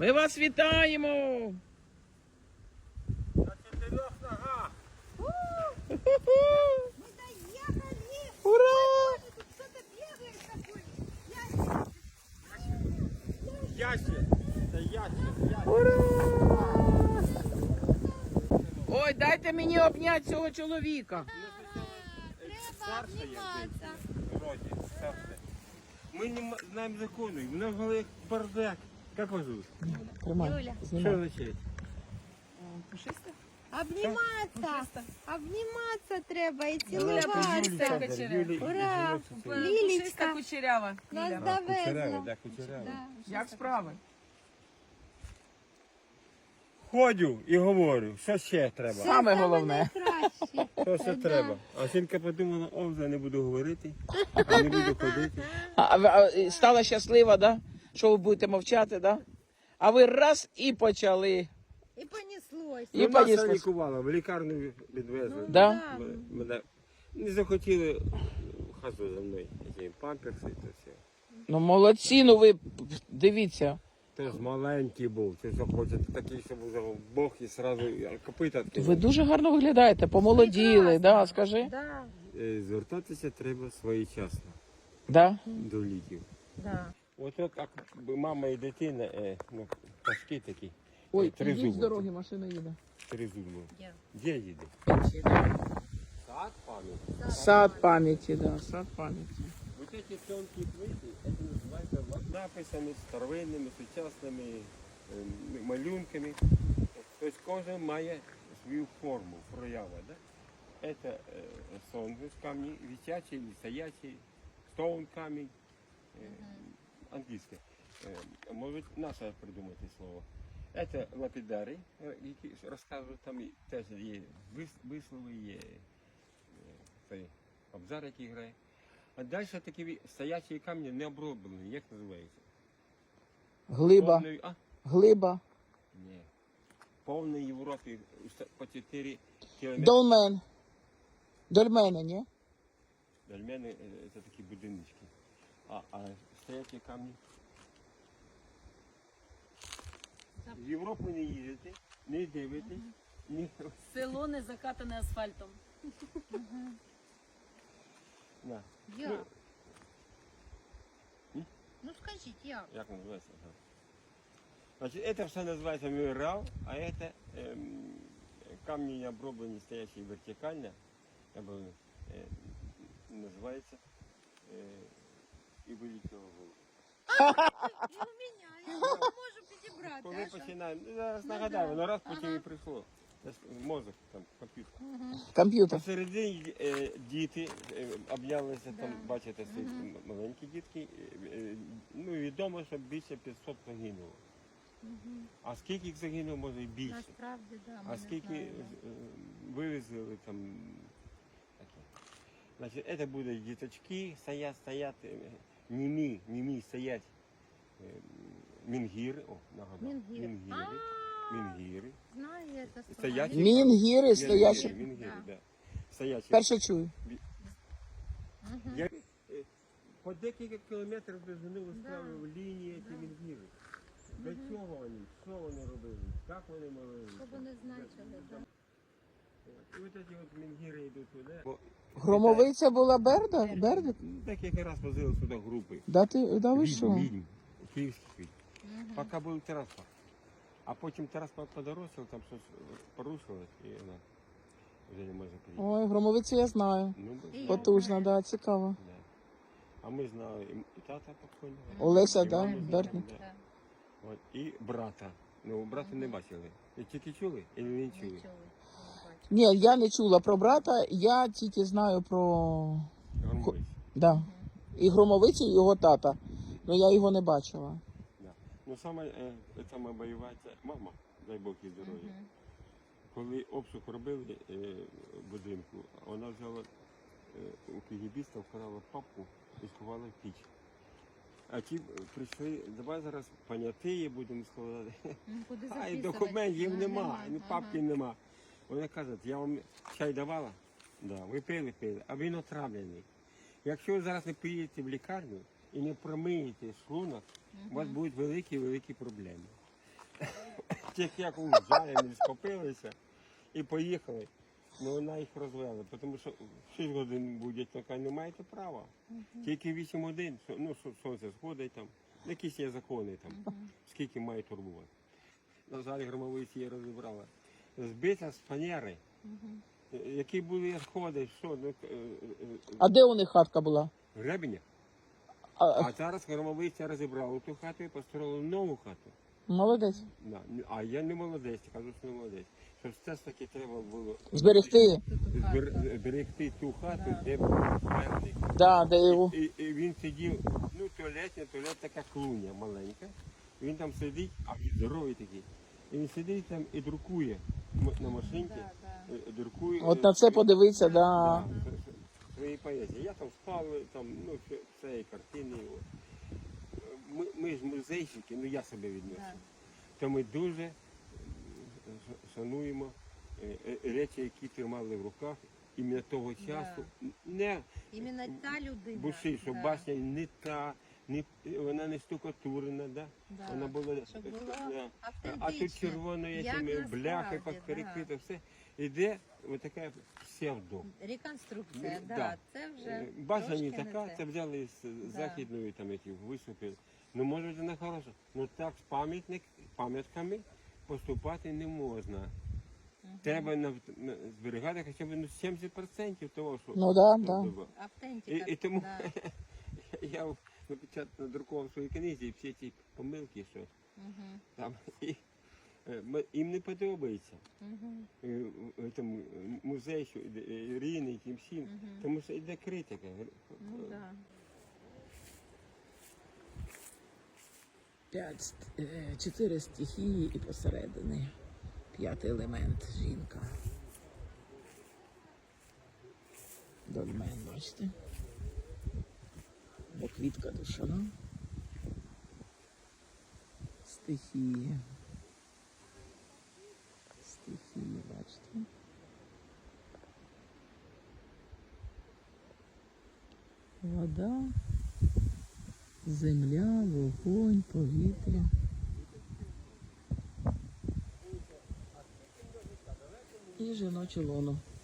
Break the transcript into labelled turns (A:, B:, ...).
A: Ми вас вітаємо!
B: На 4 ногах.
C: Мы доехали!
A: Ура!
C: Тут кто-то бегает такой.
B: Ящик. Це ящик.
A: Ура! Ой, дайте мені обняти цього чоловіка.
C: Треба обніматися.
B: Вроді, старше. Ми не знаємо закону, в нас голові як бардак. Як вас звуть?
C: Юля.
B: Що означає?
C: Обніматися. Обніматися треба і
B: Юля,
C: цілуватися. Ура!
D: Пушиста
C: Лілічка.
D: кучерява.
C: Нас
B: Кучерява,
C: довезла.
B: да, кучерява.
C: Да.
A: Як справи?
B: Ходю і говорю, що ще треба?
C: Це
A: Саме головне.
C: найкраще.
B: Що ще треба? А жінка подумала, о, вже не буду говорити, а не буду ходити.
A: Стала щаслива, да? Що ви будете мовчати, да? А ви раз і почали.
C: І понеслось.
A: І
B: Ну, нас
A: понеслось.
B: лікувала, в лікарню відвезли.
A: Да?
B: Мене не захотіли хазу за мною, які памперси і то все.
A: Ну молодці, ну ви дивіться.
B: Ти ж маленький був, ти що хочете такий, щоб вже Бог і сразу копита відкинув.
A: Ви дуже гарно виглядаєте, помолоділи, да, скажи?
C: Да,
B: Звертатися треба своєчасно
A: Да?
B: до ліків.
C: да.
B: От як мама і дитина, ну, пашки такі,
A: Ой,
B: три
A: ідіть з
B: зуби.
A: дороги, машина їде.
B: Три зуби.
C: Де?
B: Де їде? Сад пам'ять.
A: Сад пам'яті, да, сад пам'яті.
B: Вот эти тонкие плиты, это называется написами старовинними, сучасними малюнками. Тобто кожен має свою форму, проява. Да? Это сонгус камни, висячий или стоячий, стоун камень, английское. Може наше придумати слово. Это лапідари, які розказують, там теж є вислови, є цей абзар, який грає. А далі такі стоячі камні не оброблені, як називається?
A: Глиба, глиба.
B: Ні. В повній Європі по 4 кілометри.
A: Долмен. Дольмени, ні?
B: Дольмени це такі будиночки. А стоячі камні? В Європу не їздите, не дивитесь, ні.
D: Село не закатане асфальтом.
B: На.
C: Як? Ну скажіть, як?
B: Як називається? Ага. Значить, це все називається меморіал, а це камні не оброблені, стоячі вертикально, називається і вилітіло голову.
C: І у мене, я не можу підібрати.
B: Коли
C: а що?
B: починаємо, зараз нагадаю, воно раз потім і прийшло. Це ж мозок, там, комп'ютер.
A: Комп'ютер.
B: Посередині діти обнялися, там, бачите, стоять маленькі дітки. Ну, відомо, що більше 500 загинуло. А скільки їх загинуло, може і більше.
C: Насправді, да. ми
B: А
C: не
B: скільки
C: знаємо.
B: вивезли там таке. Значить, це будуть діточки, стоять, німі стоять мінгіри, о, нагадав,
C: Мінгіри.
B: мінгіри.
C: Знаю я це слово.
B: Стоячі.
A: Мінгіри стоячі.
B: Мінгіри,
C: Да.
B: да. Стоячі.
A: Перше чую.
B: Я, по декілька кілометрів довжини виставили лінії ці мінгіри. Для чого вони? Що вони робили? Як вони молили?
C: Що вони значили, да.
B: І от ці от мінгіри йдуть туди.
A: Громовиця була Берда? Бердик?
B: Декілька разів возили сюди групи.
A: Да ви що?
B: Відьм, київських відьм. Поки був транспорт. А потім транспорт подорожчав, там щось порушилось і вона вже не може приїхати.
A: Ой, Громовицю я знаю.
B: Ну,
C: І
A: Потужно, да, цікаво.
B: да. А ми знали і тата покойного.
A: Олеся,
B: і
A: да,
B: маму знали,
A: Бердник.
B: да. От, і брата. Ну, брата не бачили. Ви тільки чули і не чули?
C: Нічого.
A: Ні, я не чула про брата, я тільки знаю про...
B: Громовець.
A: Да. І Громовицю, і його тата. Ну я його не бачила.
B: Да. Ну, саме бойова це мама, дай Бог їй здоров'я. Коли обшук робили в будинку, вона взяла у кігібіста, вкрала папку і сховала в піч. А ті прийшли, давай зараз понятиє будемо складати.
C: Куди
B: А і
C: записувати?
B: документів
C: Ну,
B: нема, ні
C: ага.
B: папки нема. Вони кажуть, я вам чай давала, да, ви пили, а він отравлений. Якщо ви зараз не поїдете в лікарню і не промиєте шлунок, у вас будуть великі-великі проблеми. Тільки як уїжджали, вони скопилися і поїхали. Ну вона їх розвела, тому що в 6 годин будуть, така не маєте права. Тільки 8 годин, ну сонце сходить там, якісь є закони там, скільки має турбувати. На залі громовиці її розібрала. Збита з фанери, які були сходи, що, ну,
A: А де у них хатка була?
B: гребеня.
A: А,
B: А зараз громовиця розібрала ту хату і построїла нову хату.
A: молодець.
B: Да. А я не молодець, кажу, що не молодець. Що все ж таки треба було
A: Зберегти.
B: зберегти ту хату, де був певний.
A: Да, де його.
B: І він сидів, ну туалет така клуня маленька. Він там сидить, а він здоровий такий. І він сидить там і друкує на машинці, друкує.
A: От на це подивитися, да.
B: Свої поезії. Я там спав, там, ну, все, і картини. От. Ми ж музейщики, ну я себе відношу. То ми дуже шануємо речі, які тримали в руках іменно того часу. Не
C: Іменно та людина.
B: буши, що башня не та, вона не штукатурена, да?
C: Да.
B: Вона була,
C: Щоб було
B: да. А тут
C: автентично,
B: червоною
C: як
B: цими
C: насправді,
B: бляхи
C: да.
B: перекрито, все. Іде ось така псевдо.
C: Реконструкція,
B: Да.
C: да. Це вже
B: Башня не
C: трошки
B: така,
C: те.
B: це взяли з західної там які виступи. Ну може вона хороша. Ну так з пам'ятками поступати не можна. Треба зберігати хоча б 70% того, що
A: Ну да, да.
B: було.
C: Автентика.
B: І тому
C: да.
B: я надрукував в своїй книзі всі ці помилки, що там їм не подобається. Там музей, що Ірини, тим всім, тому що йде критика.
C: Ну, да.
A: 4 стихії і посередині 5-й елемент жінка. Дольмен, бачите? Як квітка душана. Стихії. Стихії, бачите? Вода, земля, вогонь, повітря. І жіноче лоно.